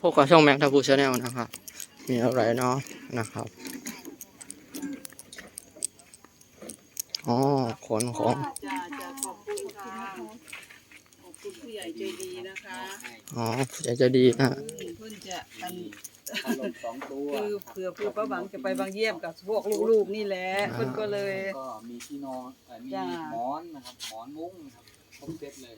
พวกกับช่องแม็กทับูชาแนลนะครับมีอะไรเนาะนะครับอ๋อขนของจะขอบคุณค่ะขอบคุณผู้ใหญ่ใจดีนะคะอ๋ออยากจะดีนะเพื่อนจะอันพัดลม2 ตัวคือเผื่อครูป้าหวังจะไปบางเยี่ยมกับพวกลูกๆนี่แหละเพื่อนก็เลยก็มีที่นอนมีจ้าหมอนนะครับหมอนมุ้งนะครับครบเซตเลย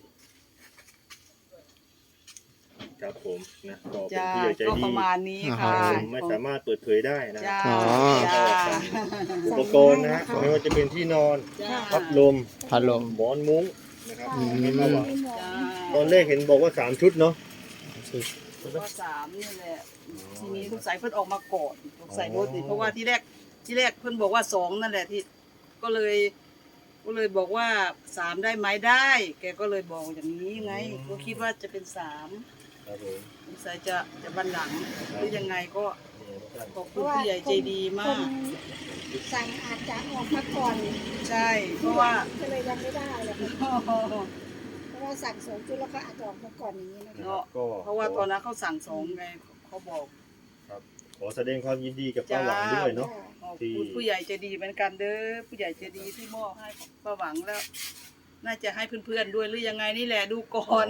ครับผมนะก็เป็นจ้าผู้ใหญ่ใจก็ดีประมาณนี้ค่ะผมไม่สามารถเปิดเผยได้นะจ้าอ๋อจ้าอุปกรณ์นะฮะไม่ว่าจะเป็นที่นอนจ้าพัดลมพัดลมหมอนมุ้งนะครับอืมให้ป้าหวังจ้าตอนแรกเห็นบอกว่า3 ชุดเนาะก็3นี่แหละทีนี้สงสัยเพื่อนออกมาก่อนสงสัยรถนี่เพราะว่าที่แรกเพื่อนบอกว่า2นั่นแหละที่ก็เลยบอกว่า3ได้ไหมได้ แกก็เลยบอกอย่างนี้ไงก็คิดว่าจะเป็น3 ครับผมสงสัยจะบันหลังหรือยังไงก็นี่นะครับขอบคุณผู้ใหญ่ใจดีมากสั่งอาจจะออกมาก่อนใช่เพราะว่าก็เลยยังไม่ได้เลยเพราะว่าสั่ง2 ชุดแล้วก็อาจจะออกมาก่อนอย่างนี้นะคะเนาะก็เพราะว่าตอนนั้นเขาสั่ง2ไงเขาบอกขอแสดงความยินดีกับป้าหวังด้วยเนาะขอบคุณผู้ใหญ่ใจดีเหมือนกันเด้อผู้ใหญ่ใจดีที่มอบให้ป้าหวังแล้ว น่าจะให้เพื่อนๆด้วยหรือยังไงนี่แหละดูก่อน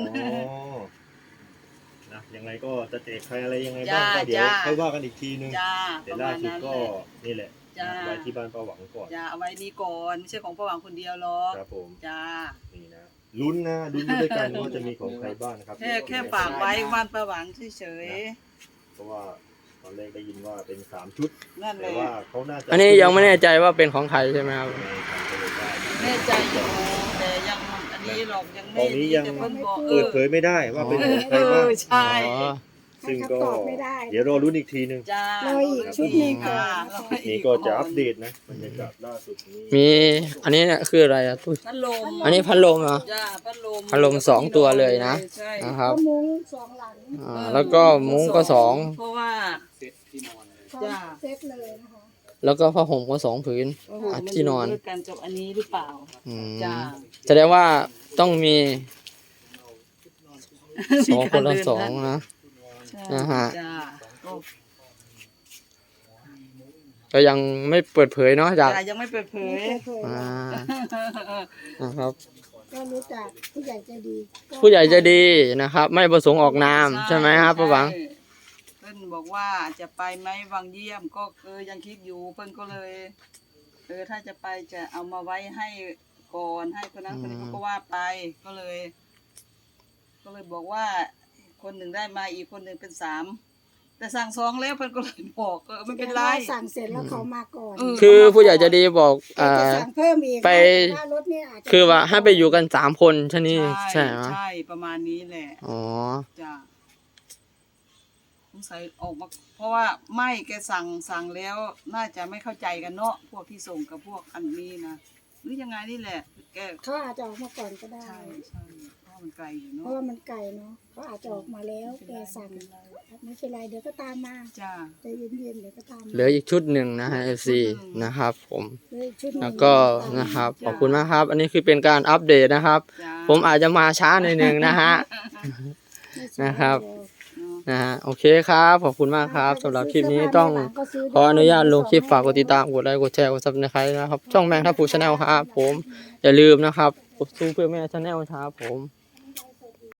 นะยังไงก็จะแจกใครอะไรยังไงบ้างก็เดี๋ยวจ้าค่อยว่ากันอีกทีนึงจ้าแต่ประล่ามาณสุดนั้นก็แหละนี่แหละจ้าไว้ที่บ้านป้าหวังก่อนจ้าเอาไว้นี่ก่อนไม่ใช่ของป้าหวังคนเดียวหรอกครับผมจ้านี่นะลุ้นนะลุ้นไปด้วยกันว่าจะมีของใครบ้างนะครับแค่ฝากไว้บ้านป้าหวังเฉยเพราะว่าตอนแรกได้ยินว่าเป็น3 ชุดๆนั่นแหแต่ละว่าเขาน่าจะอันนี้ยังไม่แน่ใจว่าเป็นของใครใช่ไหมครับแน่ใจอยู่แต่ยังอันนี้หรอกยังตไม่อนนี้ยังแต่เพิ่นบอกเปิดเผยไม่ได้ว่าเป็นของใครบ้างใช่อ๋อซึ่งถ้าก็ตอบไม่ได้เดี๋ยวรอลุ้นอีกทีนึงจ้ารออีกชุดหนึ่งก่อนรออีนี่ก็จะอัปเดตนะบรรยากาศล่าสุดนี้มีอันนี้เนี่ยคืออะไรอ่ะตุ้ยพัดลมอันนี้พัดลมเหรอจ้าพัดลมพัดลม2 ตัวเลยนะใช่นะครับก็มุ้ง2 หลังแล้วก็มุ้งก็2 เพราะว่าเซตที่นอนเลยพร้อจ้ามเซ็ตเลยนะคะแล้วก็ผ้าห่มก็2 ผืนโอ้โหอ่ะที่นอนมัด้วยกันกับอันนี้หรือเปล่าอืมจ้าแสดงว่าต้องมี2 คนละ 2นะใช่นะฮะจ้าก็ก็ยังไม่เปิดเผยเนาะจากจ้ายังไม่เปิดเผไม่ยเคยเผยอ่านะครับก็รู้จักผู้ใหญ่ใจดีผู้ใหญ่ใจะดีนะครับ ไม่ประสงค์ออกนามใช่ไหมครับป้าหวังใช่เพิ่นบอกว่าจะไปไหมวังเยี่ยมก็ยังคิดอยู่เพิ่นก็เลยถ้าจะไปจะเอามาไว้ให้ก่อนให้คนนั้นคนนี้เขาก็ว่าไปก็เลย บอกว่าคนหนึ่งได้มาอีกคนหนึ่งเป็น3แต่สั่ง2แล้วเพิ่นก็เลยบอกไม่เป็นไรสั่งเสร็จแล้วเขามาก่อนคือผู้ใหญ่ใจะดีบอกแต่จะสั่งเพิ่มอีกไปว่ารถเนี่ยอาจจะคือว่าให้ไปอยู่กัน3 คนใช่นี่ใช่ไหมใช่ประมาณนี้แหละอ๋อจ้ะสงสัยออกมาเพราะว่าไม่แกสั่งแล้วน่าจะไม่เข้าใจกันเนาะพวกที่ส่งกับพวกอันนี้นะหรือยังไงนี่แหละแกเขาอาจจะออกมาก่อนก็ได้ใช่เพราะมันไกลอยู่เพเนาะราะว่ามันไกลเนาะเขาอาจจะออกมาแล้วแกสั่งไม่เป็นไรเดี๋ยวก็ตามมาจ้าใจเย็นๆเดี๋ยวก็ตามมาเหลืออีกชุดหนึ่งนะฮะ FC นะครับผมเหลืออีกชุดหนึ่งแล้วก็นะครับขอบคุณมากครับ อันนี้คือเป็นการอัปเดตนะครับจ้าผมอาจจะมาช้าหน่อยนะฮะไม่ใช่นะครับเนาะนะฮะโอเคครับขอบคุณมากครับสำหรับคลิปนี้ต้องขออนุญาตลงคลิปฝากกดติดตามกดไลค์กดแชร์กดซับสไครต์นะครับช่องแมงทัพพูชาแนลครับผมอย่าลืมนะครับกดสู้เพื่อแม่ชาแนลครับผม